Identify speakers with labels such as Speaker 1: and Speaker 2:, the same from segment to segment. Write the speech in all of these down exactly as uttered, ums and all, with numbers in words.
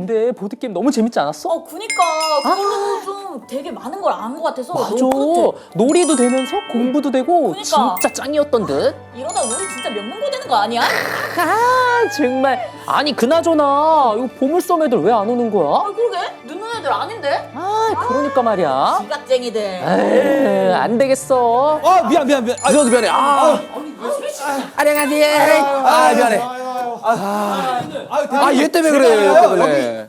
Speaker 1: 근데 보드게임 너무 재밌지 않았어?
Speaker 2: 어, 그니까 그걸로 좀 되게 많은 걸 안 것 같아서
Speaker 1: 맞아.
Speaker 2: 너무 뿌듯해.
Speaker 1: 놀이도 되면서 공부도 되고
Speaker 2: 그니까.
Speaker 1: 진짜 짱이었던 듯.
Speaker 2: 이러다 우리 진짜 명문고 되는 거 아니야?
Speaker 1: 아 정말. 아니 그나저나 이거 보물섬 애들 왜 안 오는 거야?
Speaker 2: 아, 그러게 늦는 애들 아닌데?
Speaker 1: 아 그러니까 말이야.
Speaker 2: 지각쟁이들.
Speaker 1: 에이, 안 되겠어.
Speaker 3: 아 미안 미안 미안. 아 저도 미안해. 아 안녕하세요. 아 미안해. 아 얘 때문에 그래. 얘 때문에.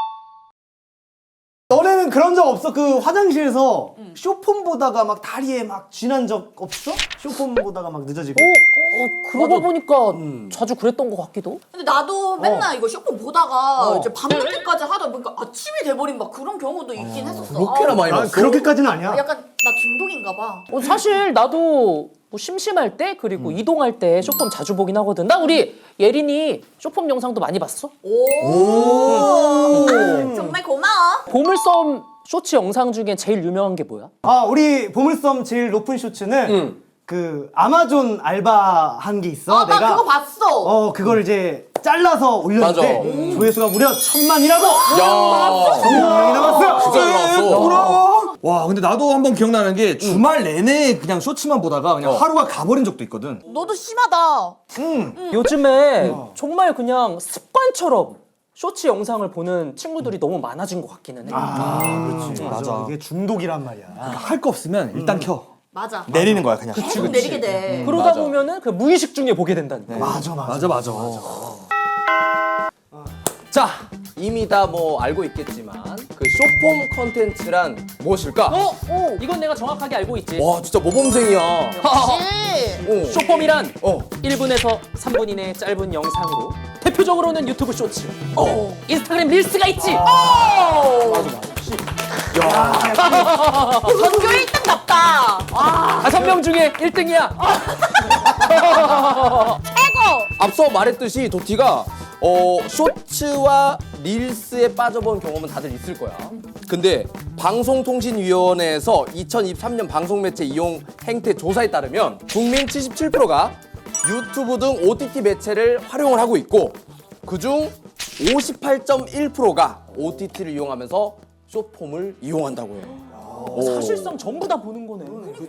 Speaker 4: 너네는 그런 적 없어? 그 화장실에서 쇼폰 보다가 막 다리에 막 쥐난 적 없어? 쇼폰 보다가 막 늦어지고?
Speaker 1: 어, 어 그러고 보니까 자주 그랬던 것 같기도.
Speaker 2: 근데 나도 맨날 이거 쇼폰 보다가
Speaker 4: 어.
Speaker 2: 이제 밤늦게까지 하다 보니까 아침이 돼버린 막 그런 경우도 있긴 했었어.
Speaker 3: 그렇게나
Speaker 2: 아,
Speaker 3: 많이
Speaker 4: 아,
Speaker 3: 봤어?
Speaker 4: 그렇게까지는 아니야.
Speaker 2: 약간 나 중독인가 봐.
Speaker 1: 어, 사실 나도 뭐 심심할 때 그리고 이동할 때 쇼폼 자주 보긴 하거든. 나 우리 예린이 쇼폼 영상도 많이 봤어.
Speaker 2: 오, 정말 고마워.
Speaker 1: 보물섬 쇼츠 영상 중에 제일 유명한 게 뭐야?
Speaker 4: 아, 우리 보물섬 제일 높은 쇼츠는
Speaker 3: 응.
Speaker 4: 그 아마존 알바 한 게 있어.
Speaker 2: 아, 나
Speaker 4: 내가
Speaker 2: 그거 봤어.
Speaker 4: 어 그걸 이제 잘라서 올렸는데
Speaker 3: 맞아.
Speaker 4: 조회수가 무려 천만이라고.
Speaker 3: 야.
Speaker 4: 천만이 남았어.
Speaker 3: 진짜 잘 나왔어.
Speaker 5: 와 근데 나도 한번 기억나는 게 주말 내내 그냥 쇼츠만 보다가 그냥 하루가 가버린 적도 있거든.
Speaker 2: 너도 심하다.
Speaker 1: 요즘에 정말 그냥 습관처럼 쇼츠 영상을 보는 친구들이 너무 많아진 것 같기는 해.
Speaker 4: 아, 그렇지. 맞아.
Speaker 5: 맞아.
Speaker 4: 이게 중독이란 말이야.
Speaker 5: 할 거 없으면 일단 켜.
Speaker 2: 맞아.
Speaker 5: 내리는 거야 그냥.
Speaker 2: 계속 내리게 돼.
Speaker 1: 그러다
Speaker 3: 맞아.
Speaker 1: 보면은 그 무의식 중에 보게 된다니까.
Speaker 4: 맞아, 맞아.
Speaker 5: 맞아 맞아.
Speaker 3: 자 이미 다 뭐 알고 있겠지만 그 쇼폼 컨텐츠란 무엇일까?
Speaker 1: 어? 어? 이건 내가 정확하게 알고 있지.
Speaker 3: 와 진짜 모범생이야.
Speaker 2: 역시.
Speaker 3: 어.
Speaker 1: 쇼폼이란
Speaker 3: 어.
Speaker 1: 일 분에서 삼 분 이내의 짧은 영상으로 대표적으로는 유튜브 쇼츠,
Speaker 3: 어.
Speaker 1: 인스타그램 릴스가 있지.
Speaker 2: 전교 일 등 답다.
Speaker 1: 다섯 명 중에 일 등이야.
Speaker 3: 앞서 말했듯이 도티가 어, 쇼츠와 릴스에 빠져본 경험은 다들 있을 거야. 근데 방송통신위원회에서 이천이십삼 년 방송매체 이용 행태 조사에 따르면 국민 칠십칠 퍼센트가 유튜브 등 오티티 매체를 활용을 하고 있고 그중 오십팔 점 일 퍼센트가 오티티를 이용하면서 쇼폼을 이용한다고 해요.
Speaker 1: 사실상 전부 다 보는 거네.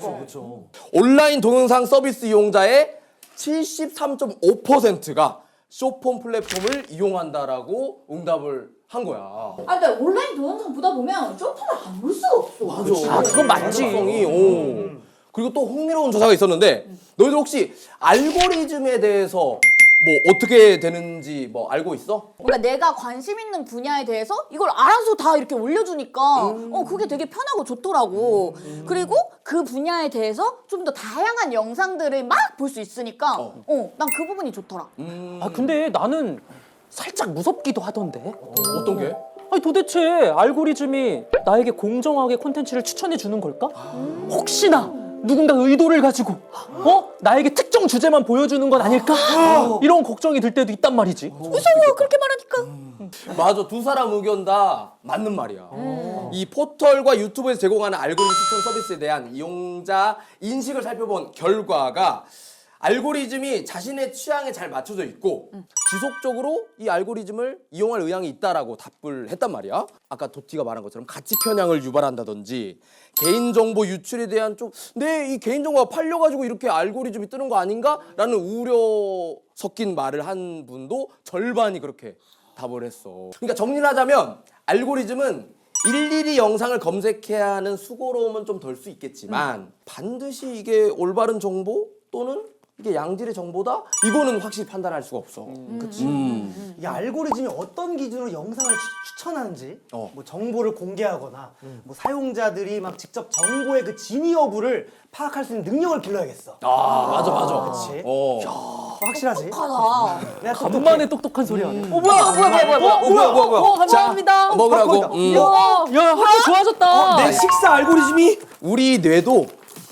Speaker 3: 온라인 동영상 서비스 이용자의 칠십삼 점 오 퍼센트가 쇼폼 플랫폼을 이용한다라고 응답을 한 거야.
Speaker 2: 아, 근데 온라인 동영상 보다 보면 쇼폼을 안 볼 수가 없어.
Speaker 3: 맞아.
Speaker 1: 아, 그건 맞지.
Speaker 3: 성이 오. 그리고 또 흥미로운 조사가 있었는데 너희들 혹시 알고리즘에 대해서 뭐 어떻게 되는지 뭐 알고 있어?
Speaker 2: 뭔가 내가 관심 있는 분야에 대해서 이걸 알아서 다 이렇게 올려주니까 어 그게 되게 편하고 좋더라고. 그리고 그 분야에 대해서 좀 더 다양한 영상들을 막 볼 수 있으니까 어 난 그 부분이 좋더라.
Speaker 1: 아 근데 나는 살짝 무섭기도 하던데.
Speaker 3: 어떤 게?
Speaker 1: 아니 도대체 알고리즘이 나에게 공정하게 콘텐츠를 추천해 주는 걸까? 혹시나 누군가 의도를 가지고 어? 나에게 특정 주제만 보여주는 건 아닐까? 이런 걱정이 들 때도 있단 말이지.
Speaker 2: 무서워 그렇게 말하니까.
Speaker 3: 맞아, 두 사람 의견 다 맞는 말이야. 이 포털과 유튜브에서 제공하는 알고리즘 추천 서비스에 대한 이용자 인식을 살펴본 결과가 알고리즘이 자신의 취향에 잘 맞춰져 있고 지속적으로 이 알고리즘을 이용할 의향이 있다라고 답을 했단 말이야. 아까 도티가 말한 것처럼 가치 편향을 유발한다든지 개인정보 유출에 대한 좀 내 이 개인정보가 팔려가지고 이렇게 알고리즘이 뜨는 거 아닌가라는 우려 섞인 말을 한 분도 절반이 그렇게 답을 했어. 그러니까 정리를 하자면 알고리즘은 일일이 영상을 검색해야 하는 수고로움은 좀 덜 수 있겠지만 반드시 이게 올바른 정보 또는 이게 양질의 정보다? 이거는 확실히 판단할 수가 없어.
Speaker 4: 그치.
Speaker 3: 음.
Speaker 4: 이 알고리즘이 어떤 기준으로 영상을 추, 추천하는지,
Speaker 3: 어.
Speaker 4: 뭐 정보를 공개하거나, 뭐 사용자들이 막 직접 정보의 그 진위 여부를 파악할 수 있는 능력을 길러야겠어.
Speaker 3: 아, 맞아, 맞아.
Speaker 4: 그치.
Speaker 3: 어.
Speaker 4: 어, 확실하지?
Speaker 2: 하다.
Speaker 4: 내가 똑똑해.
Speaker 1: 간만에 똑똑한 소리 하네. 어
Speaker 2: 뭐야 뭐야 뭐야 뭐야.
Speaker 3: 어, 뭐야, 뭐야, 뭐야.
Speaker 1: 어, 감사합니다.
Speaker 3: 자, 먹으라고.
Speaker 4: 팝콘이다.
Speaker 3: 음.
Speaker 1: 야, 야, 확실히 좋아졌다.
Speaker 5: 내 식사 알고리즘이
Speaker 3: 우리 뇌도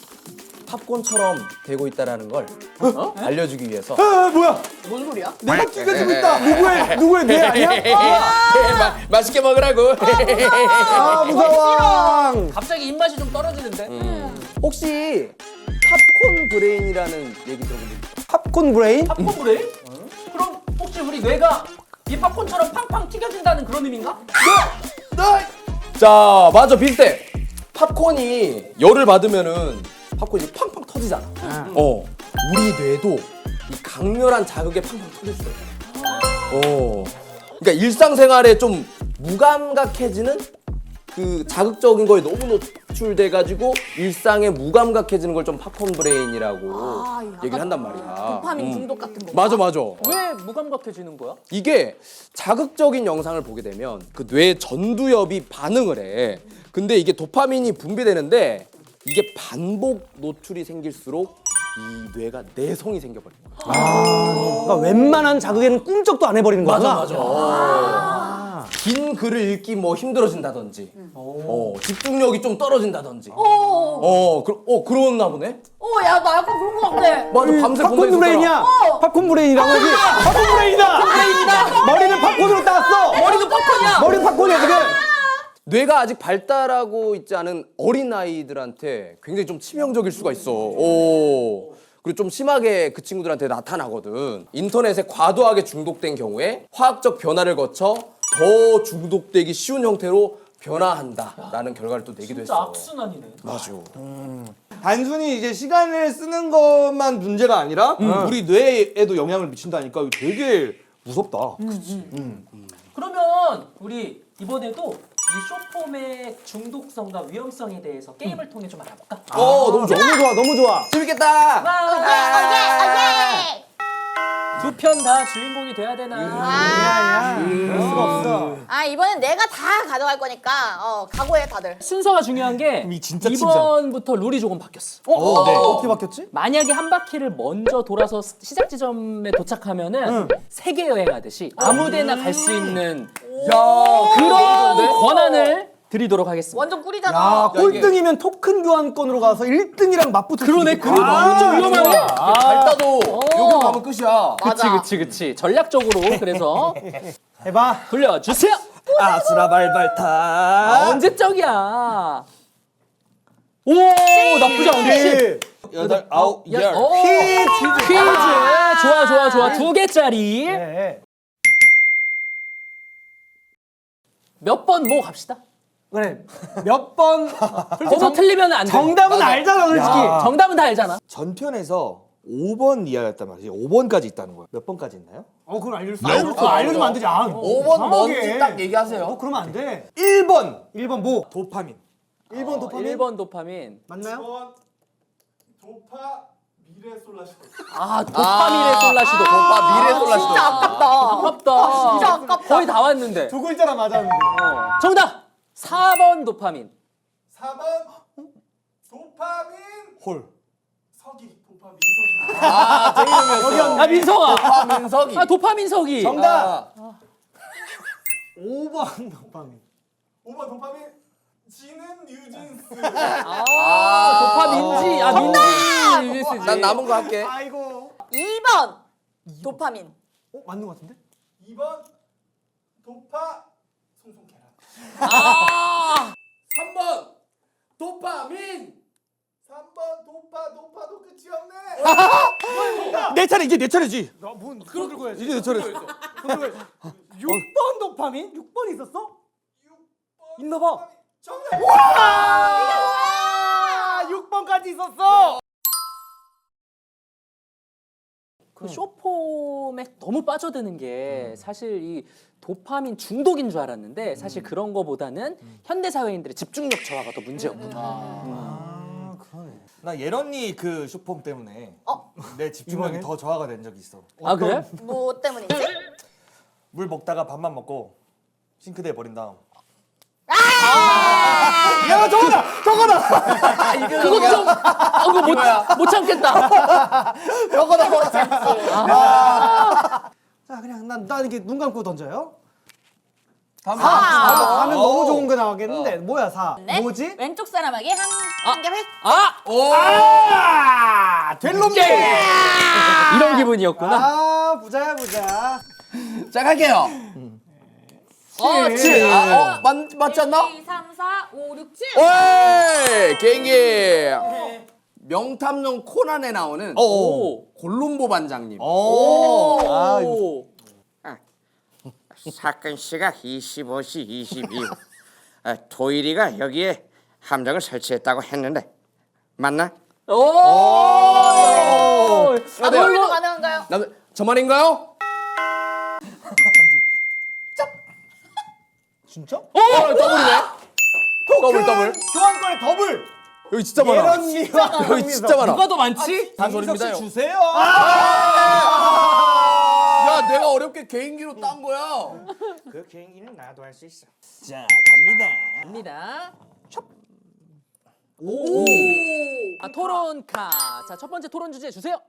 Speaker 3: 팝콘처럼 되고 있다라는 걸 어? 알려주기 위해서.
Speaker 4: 아, 뭐야?
Speaker 2: 뭔 소리야?
Speaker 4: 내가 끼가 지고 있다. 누구의, 누구의 뇌 아니야?
Speaker 3: 네, 마, 맛있게 먹으라고.
Speaker 4: 아, 무서워.
Speaker 1: 갑자기 입맛이 좀 떨어지는데.
Speaker 3: 혹시 팝콘 브레인이라는 얘기 들어본 적 있어?
Speaker 4: 팝콘 브레인?
Speaker 1: 팝콘 브레인? 그럼 혹시 우리 뇌가 이 팝콘처럼 팡팡 튀겨진다는 그런 의미인가?
Speaker 3: 자, 맞아, 비슷해. 팝콘이 열을 받으면은 팝콘이 팡팡 터지잖아. 어, 우리 뇌도 이 강렬한 자극에 팡팡 터질 수 있어. 어, 그러니까 일상생활에 좀 무감각해지는 그 자극적인 거에 너무 노출돼가지고 일상에 무감각해지는 걸 좀 팝콘 브레인이라고
Speaker 2: 아, 약간
Speaker 3: 얘기를 한단 말이야.
Speaker 2: 도파민
Speaker 3: 음.
Speaker 2: 중독 같은 거.
Speaker 3: 맞아, 맞아.
Speaker 1: 왜 무감각해지는 거야?
Speaker 3: 이게 자극적인 영상을 보게 되면 그 뇌 전두엽이 반응을 해. 근데 이게 도파민이 분비되는데 이게 반복 노출이 생길수록 이 뇌가 내성이 생겨버린 거야.
Speaker 4: 그러니까 웬만한 자극에는 꿈쩍도 안 해버리는 거구나.
Speaker 3: 긴 글을 읽기 뭐 힘들어진다든지, 어, 집중력이 좀 떨어진다든지,
Speaker 2: 어,
Speaker 3: 어, 그, 어 그러나 보네.
Speaker 2: 어, 야, 나 약간 그런 거 같아.
Speaker 3: 맞아, 밤새
Speaker 4: 팝콘
Speaker 3: 본다
Speaker 4: 브레인이야.
Speaker 2: 어.
Speaker 4: 팝콘 브레인이라고 여기. 팝콘 브레인이다. 브레인이다. 머리는 팝콘으로 따왔어.
Speaker 1: 머리도 팝콘이야!
Speaker 4: 머리는 팝콘이야 지금.
Speaker 3: 뇌가 아직 발달하고 있지 않은 어린 아이들한테 굉장히 좀 치명적일 수가 있어. 오. 그리고 좀 심하게 그 친구들한테 나타나거든. 인터넷에 과도하게 중독된 경우에 화학적 변화를 거쳐 더 중독되기 쉬운 형태로 변화한다라는 결과를 또 내기도
Speaker 1: 진짜
Speaker 3: 했어.
Speaker 1: 악순환이네.
Speaker 3: 맞아.
Speaker 5: 단순히 이제 시간을 쓰는 것만 문제가 아니라 우리 뇌에도 영향을 미친다니까 이거 되게 무섭다.
Speaker 1: 그러면 우리 이번에도 이 쇼폼의 중독성과 위험성에 대해서 게임을 통해 좀 알아볼까?
Speaker 3: 어, 너무 좋아.
Speaker 4: 너무 좋아, 너무 좋아.
Speaker 3: 재밌겠다.
Speaker 1: 두 편 다 주인공이 돼야 되나?
Speaker 2: 아,
Speaker 4: 그럴 수가 없어.
Speaker 2: 아, 이번엔 내가 다 가져갈 거니까, 어, 각오해, 다들.
Speaker 1: 순서가 중요한 게
Speaker 5: 이 진짜
Speaker 1: 이번부터 룰이 조금 바뀌었어.
Speaker 4: 어,
Speaker 5: 네.
Speaker 4: 어떻게 바뀌었지?
Speaker 1: 만약에 한 바퀴를 먼저 돌아서 시작 지점에 도착하면은 세계 여행하듯이 아무데나 갈 수 있는
Speaker 3: 야,
Speaker 1: 그런 권한을 드리도록 하겠습니다.
Speaker 2: 완전 꿀이잖아.
Speaker 4: 야, 꼴등이면 토큰 교환권으로 가서 일 등이랑 맞붙을 수
Speaker 1: 그러네,
Speaker 4: 있겠다.
Speaker 1: 그러네.
Speaker 4: 아,
Speaker 1: 좀 위험하네.
Speaker 3: 아, 잘 따도 여기로 가면 끝이야.
Speaker 1: 그치,
Speaker 2: 맞아.
Speaker 1: 그치, 그치. 전략적으로 그래서
Speaker 4: 해봐.
Speaker 1: 돌려주세요.
Speaker 5: 아수라발발타.
Speaker 1: 아, 언제적이야? 오, 나쁘지 않은데.
Speaker 5: 여덟, 아홉,
Speaker 1: 야,
Speaker 5: 열.
Speaker 1: 오,
Speaker 4: 퀴즈.
Speaker 1: 퀴즈. 좋아, 좋아, 좋아. 두 개짜리.
Speaker 4: 네.
Speaker 1: 몇 번 뭐 갑시다.
Speaker 4: 그래. 몇 번
Speaker 1: 번호 틀리면 안 돼.
Speaker 4: 정답은 알잖아, 솔직히.
Speaker 1: 정답은 다 알잖아.
Speaker 5: 전편에서 오 번 이하였단 말이지. 오 번까지 있다는 거야. 몇 번까지 있나요?
Speaker 4: 어, 그걸 알려줄 수 알려줄 수 알려주면 안 되지. 아,
Speaker 3: 오 번
Speaker 4: 이상하게.
Speaker 3: 뭔지 딱 얘기하세요.
Speaker 4: 어, 그러면 안 돼.
Speaker 5: 일 번
Speaker 4: 일 번 뭐?
Speaker 5: 도파민.
Speaker 4: 일 번 도파민?
Speaker 1: 일 번 도파민.
Speaker 4: 맞나요?
Speaker 6: 도파 미래 솔라시.
Speaker 1: 아, 도파민의 솔라시도.
Speaker 3: 도파 미래 솔라시도.
Speaker 2: 진짜 아깝다.
Speaker 1: 아깝다.
Speaker 2: 진짜 아깝다.
Speaker 1: 거의 다 왔는데.
Speaker 4: 두 글자나 맞았는데.
Speaker 1: 어. 정답! 사 번 도파민.
Speaker 6: 사 번 도파민
Speaker 5: 홀.
Speaker 6: 서기. 도파 민서기.
Speaker 3: 아, 제 이름이었어.
Speaker 1: 아, 민성아.
Speaker 3: 도파민석이.
Speaker 1: 아, 도파민석이.
Speaker 4: 정답!
Speaker 3: 아,
Speaker 4: 오 번 도파민.
Speaker 6: 오 번 도파민 지는 뉴진스.
Speaker 1: 아, 도파민지. 아, 민지. 민지지.
Speaker 3: 난 남은 거 할게.
Speaker 4: 아이고.
Speaker 2: 이 번 도파민.
Speaker 4: 어, 맞는 것 같은데?
Speaker 6: 이 번 도파 송송 계란.
Speaker 1: 아,
Speaker 3: 삼 번 도파민.
Speaker 6: 삼 번 도파 도파도 끝이 없네.
Speaker 5: 내 차례 이제 내 차례지.
Speaker 4: 나뭔 손 들고 해야지.
Speaker 5: 이제 내 차례.
Speaker 4: 육 번 도파민? 육 번 있었어?
Speaker 6: 육 번
Speaker 4: 있나 봐.
Speaker 6: 도파민. 정답.
Speaker 4: 아, 육 번까지 있었어.
Speaker 1: 그 쇼폼에 너무 빠져드는 게 사실 이 도파민 중독인 줄 알았는데 사실 그런 거보다는 현대 사회인들의 집중력 저하가 더 문제였구나.
Speaker 4: 아, 그러네.
Speaker 5: 나 예런이 그 쇼폼 때문에
Speaker 2: 어?
Speaker 5: 내 집중력이
Speaker 4: 이번에?
Speaker 5: 더 저하가 된 적이 있어.
Speaker 1: 아, 그래?
Speaker 2: 뭐 때문이지?
Speaker 5: 물 먹다가 밥만 먹고 싱크대에 버린 다음.
Speaker 4: 야, 저거다! 저거다!
Speaker 1: 그거 좀, 아, 그거 못, 못 참겠다.
Speaker 2: 저거다 뭐 참지.
Speaker 4: 자, 그냥 난, 난 이렇게 눈 감고 던져요.
Speaker 3: 다음
Speaker 2: 아.
Speaker 4: 사 하면
Speaker 3: 어.
Speaker 4: 너무 좋은 거 나오겠는데. 뭐야, 사?
Speaker 2: 네?
Speaker 4: 뭐지?
Speaker 2: 왼쪽 사람에게 한, 한 개 획.
Speaker 1: 아!
Speaker 3: 오.
Speaker 4: 아! 될 놈들!
Speaker 1: 이런 기분이었구나.
Speaker 4: 아, 부자야, 부자.
Speaker 3: 자, 갈게요. 어, 칠. 아, 어, 맞, 맞지 않나?
Speaker 2: 일, 이, 삼, 사, 오, 육, 칠.
Speaker 3: 오이! 개인기. 명탐정 코난에 나오는
Speaker 1: 오.
Speaker 3: 골룸보 반장님.
Speaker 5: 오.
Speaker 1: 아,
Speaker 3: 어.
Speaker 7: 사건 시각 이십오 시 이십이 분. 아, 도일이가 여기에 함정을 설치했다고 했는데 맞나?
Speaker 1: 오!
Speaker 3: 아, 네.
Speaker 2: 더블도 가능한가요?
Speaker 3: 남 저만인가요?
Speaker 4: 진짜?
Speaker 3: 어, 더블이네. 더블 더블.
Speaker 4: 교환권의 더블.
Speaker 3: 여기 진짜 많아.
Speaker 4: 예런이와
Speaker 3: 여기 진짜 많아.
Speaker 1: 누가 더 많지?
Speaker 3: 단소리입니다. 형.
Speaker 4: 주세요.
Speaker 3: 야, 내가 어렵게 개인기로 딴 거야.
Speaker 7: 그 개인기는 나도 할 수 있어.
Speaker 5: 자 갑니다.
Speaker 1: 갑니다.
Speaker 2: 오.
Speaker 1: 아, 토론카. 자, 첫 번째 토론 주제 주세요.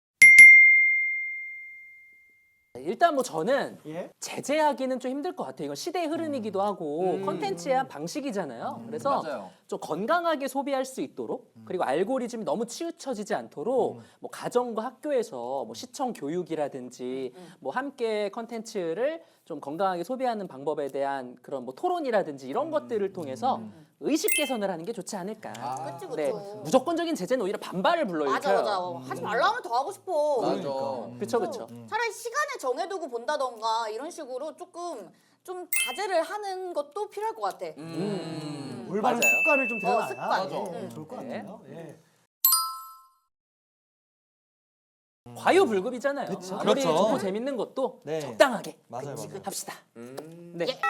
Speaker 1: 일단 뭐 저는
Speaker 4: 예?
Speaker 1: 제재하기는 좀 힘들 것 같아요. 이건 시대의 흐름이기도 하고 컨텐츠의 한 방식이잖아요. 그래서
Speaker 3: 맞아요.
Speaker 1: 좀 건강하게 소비할 수 있도록 그리고 알고리즘이 너무 치우쳐지지 않도록 뭐 가정과 학교에서 뭐 시청 교육이라든지 뭐 함께 컨텐츠를 좀 건강하게 소비하는 방법에 대한 그런 뭐 토론이라든지 이런 것들을 통해서 의식 개선을 하는 게 좋지 않을까.
Speaker 2: 그치, 그치.
Speaker 1: 네, 무조건적인 제재는 오히려 반발을
Speaker 2: 맞아
Speaker 1: 불러일으켜요.
Speaker 2: 맞아. 하지 말라 하면 더 하고 싶어.
Speaker 3: 맞아.
Speaker 1: 그렇죠, 그렇죠.
Speaker 2: 차라리 시간을 정해두고 본다던가 이런 식으로 조금 좀 자제를 하는 것도 필요할 것 같아.
Speaker 3: 음.
Speaker 4: 올바른
Speaker 1: 맞아요.
Speaker 4: 습관을 좀 들여놔야
Speaker 2: 어, 습관.
Speaker 3: 맞아.
Speaker 2: 응.
Speaker 4: 좋을 것
Speaker 1: 네.
Speaker 4: 같아요. 예.
Speaker 1: 과유불급이잖아요. 아무리
Speaker 5: 그렇죠.
Speaker 1: 좋고 재밌는 것도
Speaker 5: 네.
Speaker 1: 적당하게
Speaker 5: 맞아요, 맞아요.
Speaker 1: 합시다.
Speaker 3: 음.
Speaker 1: 네.
Speaker 2: 예.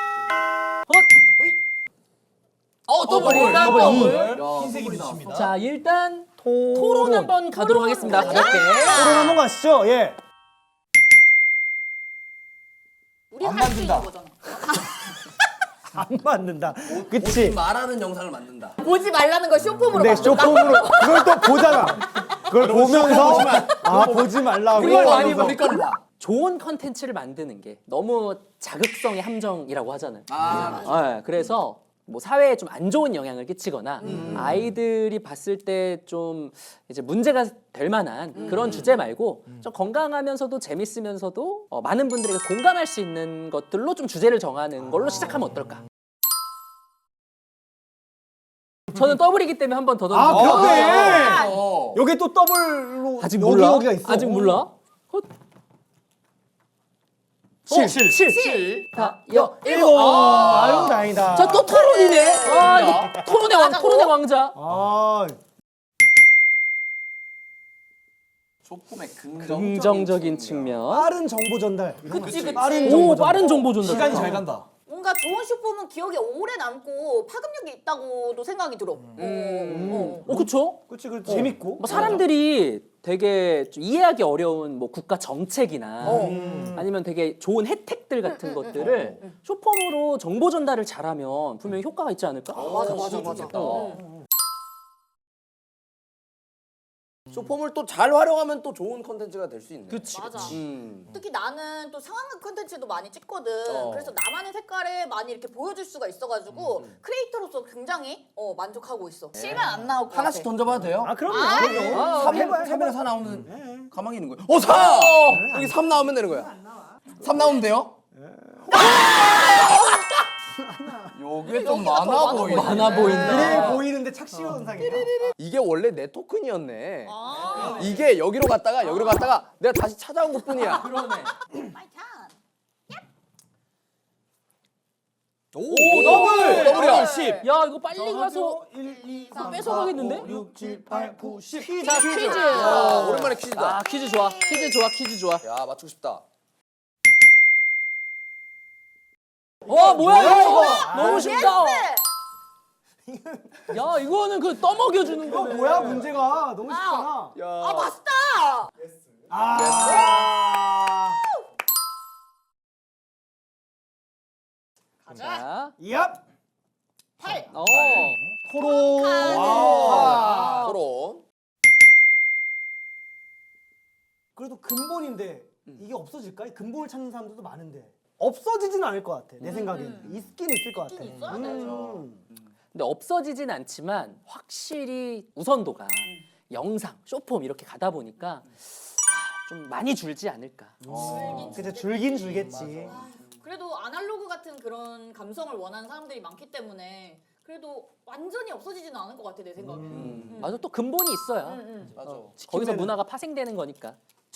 Speaker 1: 어, 더블
Speaker 3: 더블,
Speaker 1: 일단
Speaker 3: 더블.
Speaker 1: 더블.
Speaker 3: 야,
Speaker 5: 흰색이
Speaker 3: 더블이
Speaker 5: 좋습니다.
Speaker 1: 자, 일단 토론 한번 가도록 하겠습니다. 가볍게.
Speaker 4: 토론 한번 가시죠. 예.
Speaker 2: 우리
Speaker 5: 안
Speaker 2: 할 수 있는
Speaker 5: 만든다.
Speaker 2: 거잖아.
Speaker 4: 안 맞는다.
Speaker 3: 보지
Speaker 4: 그치?
Speaker 3: 말하는 영상을 만든다.
Speaker 2: 보지 말라는 걸 쇼폼으로
Speaker 4: 근데
Speaker 2: 바꾼다.
Speaker 4: 쇼폼으로 그걸 또 보잖아. 그걸 보면서 아 보지 말라고.
Speaker 1: 그걸 많이
Speaker 4: 하면서.
Speaker 3: 우리 거는 봐.
Speaker 1: 좋은 컨텐츠를 만드는 게 너무 자극성의 함정이라고 하잖아요.
Speaker 3: 아,
Speaker 1: 네, 그래서 뭐 사회에 좀 안 좋은 영향을 끼치거나 아이들이 봤을 때 좀 이제 문제가 될 만한 그런 주제 말고 좀 건강하면서도 재밌으면서도 어, 많은 분들에게 공감할 수 있는 것들로 좀 주제를 정하는 걸로 시작하면 어떨까? 저는 더블이기 때문에 한 번 더
Speaker 4: 아
Speaker 1: 던져.
Speaker 4: 그러네.
Speaker 3: 어.
Speaker 4: 여기 또 더블로
Speaker 1: 아직
Speaker 4: 여기
Speaker 1: 몰라?
Speaker 4: 여기가 있어.
Speaker 1: 아직 몰라? 헛.
Speaker 4: 칠.
Speaker 1: 칠. 칠.
Speaker 3: 칠.
Speaker 1: 다, 여,
Speaker 4: 일곱. 아유 다행이다.
Speaker 1: 자, 또 토론이네. 아, 이거 토론의 왕, 토론의 왕자.
Speaker 4: 아
Speaker 3: 쇼폼의 긍정.
Speaker 1: 긍정적인 측면.
Speaker 4: 빠른 정보 전달. 이런 거
Speaker 2: 그치,
Speaker 4: 있지.
Speaker 2: 그치.
Speaker 4: 빠른
Speaker 1: 오,
Speaker 4: 정보 전달.
Speaker 1: 빠른 정보 전달.
Speaker 5: 시간이 잘 간다.
Speaker 2: 뭔가 좋은 쇼폼은 기억에 오래 남고 파급력이 있다고도 생각이 들어. 어, 어.
Speaker 1: 어, 그쵸?
Speaker 4: 그치 그 재밌고.
Speaker 1: 뭐 사람들이 되게 좀 이해하기 어려운 뭐 국가 정책이나 아니면 되게 좋은 혜택들 같은 것들을 쇼폼으로 정보 전달을 잘하면 분명히 효과가 있지 않을까?
Speaker 2: 맞아 맞아 맞아.
Speaker 1: 어.
Speaker 3: 쇼폼을 또 잘 활용하면 또 좋은 컨텐츠가 될 수 있네.
Speaker 1: 그치,
Speaker 2: 맞아.
Speaker 1: 그치.
Speaker 3: 음.
Speaker 2: 특히 나는 또 상황극 콘텐츠도 많이 찍거든.
Speaker 3: 어.
Speaker 2: 그래서 나만의 색깔을 많이 이렇게 보여줄 수가 있어가지고 크리에이터로서 굉장히 어, 만족하고 있어. 실만 안 나올 것
Speaker 3: 하나씩
Speaker 2: 같아.
Speaker 3: 던져봐도 돼요?
Speaker 4: 아 그럼요.
Speaker 2: 아,
Speaker 4: 그럼요.
Speaker 1: 아,
Speaker 3: 삼
Speaker 4: 해봐요,
Speaker 3: 삼에
Speaker 4: 해봐요.
Speaker 3: 사 나오면 가만히 있는 거예요. 어, 사! 여기 삼 나오면 되는 거야. 삼 나오면 돼요? 요게 좀
Speaker 2: 여기가 더
Speaker 3: 많아
Speaker 2: 많아
Speaker 3: 보이네.
Speaker 1: 많아 보인다.
Speaker 4: 그래 보이는데 착시 현상이다.
Speaker 3: 이게 원래 내 토큰이었네.
Speaker 2: 아,
Speaker 3: 이게 여기로 갔다가 여기로 갔다가 내가 다시 찾아온 것뿐이야.
Speaker 1: 그러네.
Speaker 2: 마이 찬.
Speaker 3: 오, 더블! 더블이야.
Speaker 4: 십.
Speaker 1: 야, 이거 빨리 가서
Speaker 4: 일, 이,
Speaker 1: 삼, 뺏어가겠는데?
Speaker 4: 오, 육, 칠, 팔, 구, 십.
Speaker 1: 자, 퀴즈.
Speaker 3: 아, 오랜만에 퀴즈다.
Speaker 1: 아, 퀴즈 좋아. 퀴즈 좋아. 퀴즈 좋아.
Speaker 3: 야, 맞추고 싶다.
Speaker 1: 와, 뭐야 이거?
Speaker 4: 이거?
Speaker 1: 너무 쉽다. 야, 이거는 그 떠먹여 주는
Speaker 4: 이거
Speaker 1: 거네.
Speaker 4: 뭐야 문제가 너무 쉽잖아.
Speaker 3: 야.
Speaker 2: 아 맛있다.
Speaker 4: 아.
Speaker 2: 가자.
Speaker 1: 자,
Speaker 4: 얍.
Speaker 2: 팔.
Speaker 1: 어.
Speaker 4: 토론.
Speaker 3: 아, 토론.
Speaker 4: 그래도 근본인데 이게 없어질까? 이 근본을 찾는 사람들도 많은데 없어지진 않을 것 같아. 내 생각에는 있긴 있을 것 같아.
Speaker 2: 있긴 있어야 되죠.
Speaker 4: 음.
Speaker 1: 근데 없어지진 않지만 확실히 우선도가 영상, 쇼폼 이렇게 가다 보니까 아, 좀 많이 줄지 않을까.
Speaker 4: 그치 줄긴 줄겠지.
Speaker 2: 그래도 아날로그 같은 그런 감성을 원하는 사람들이 많기 때문에 그래도 완전히 없어지지는 않을 것 같아 내 생각에.
Speaker 1: 음. 맞아, 또 근본이 있어야
Speaker 2: 응, 응.
Speaker 3: 맞아.
Speaker 1: 거기서 문화가 파생되는 거니까.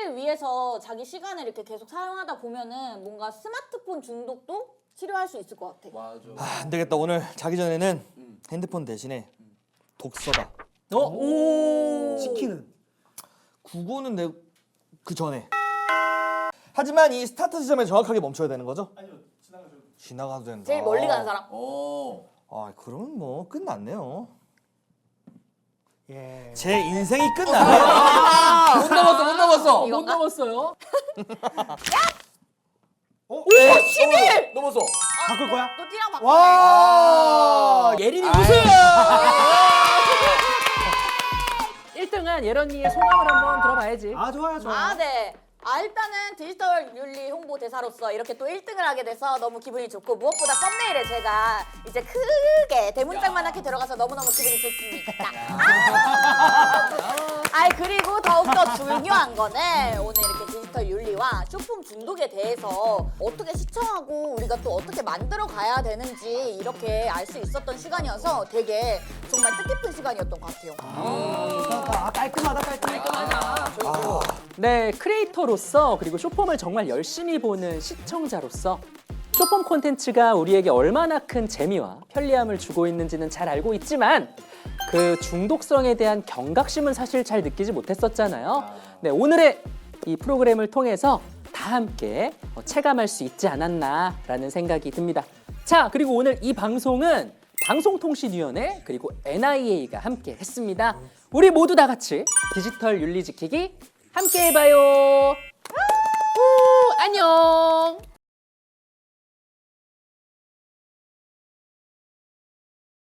Speaker 2: 일을 위해서 자기 시간을 이렇게 계속 사용하다 보면은 뭔가 스마트폰 중독도 치료할 수 있을 것 같아.
Speaker 3: 맞아.
Speaker 5: 아, 안 되겠다. 오늘 자기 전에는 핸드폰 대신에 독서다.
Speaker 1: 어? 오.
Speaker 4: 치킨은
Speaker 5: 국어는 내 그 전에. 하지만 이 스타트 지점에 정확하게 멈춰야 되는 거죠?
Speaker 6: 아니요, 지나가셔도 돼요.
Speaker 5: 지나가도 된다.
Speaker 2: 제일 멀리 가는 사람.
Speaker 3: 오.
Speaker 5: 아, 그러면 뭐 끝났네요.
Speaker 4: 예.
Speaker 5: 제 인생이 끝나네요.
Speaker 3: 못 넘었어, 못 넘었어.
Speaker 1: 못
Speaker 2: 이건가?
Speaker 1: 넘었어요.
Speaker 4: 어?
Speaker 3: 십일 넘었어.
Speaker 4: 바꿀 거야?
Speaker 2: 또 띠랑 바꿔.
Speaker 4: 와.
Speaker 1: 예린이 우승! 일 등한 예런이의 소감을 한번 들어봐야지.
Speaker 4: 아 좋아요 좋아요.
Speaker 2: 아, 네. 아, 일단은 디지털 윤리 홍보 대사로서 이렇게 또 일 등을 하게 돼서 너무 기분이 좋고 무엇보다 썸네일에 제가 이제 크게 대문짝만하게 들어가서 너무너무 기분이 좋습니다. 아, 그리고 더욱더 중요한 거는 오늘 이렇게 디지털 윤리와 쇼폼 중독에 대해서 어떻게 시청하고 우리가 또 어떻게 만들어 가야 되는지 이렇게 알 수 있었던 시간이어서 되게 정말 뜻깊은 시간이었던 것 같아요.
Speaker 4: 아, 깔끔하다 깔끔하다.
Speaker 1: 네, 크리에이터로서 그리고 쇼폼을 정말 열심히 보는 시청자로서 쇼폼 콘텐츠가 우리에게 얼마나 큰 재미와 편리함을 주고 있는지는 잘 알고 있지만 그 중독성에 대한 경각심은 사실 잘 느끼지 못했었잖아요. 네, 오늘의 이 프로그램을 통해서 다 함께 어, 체감할 수 있지 않았나라는 생각이 듭니다. 자, 그리고 오늘 이 방송은 방송통신위원회 그리고 엔아이에이가 함께 했습니다. 우리 모두 다 같이 디지털 윤리 지키기 함께 해봐요. 우, 안녕.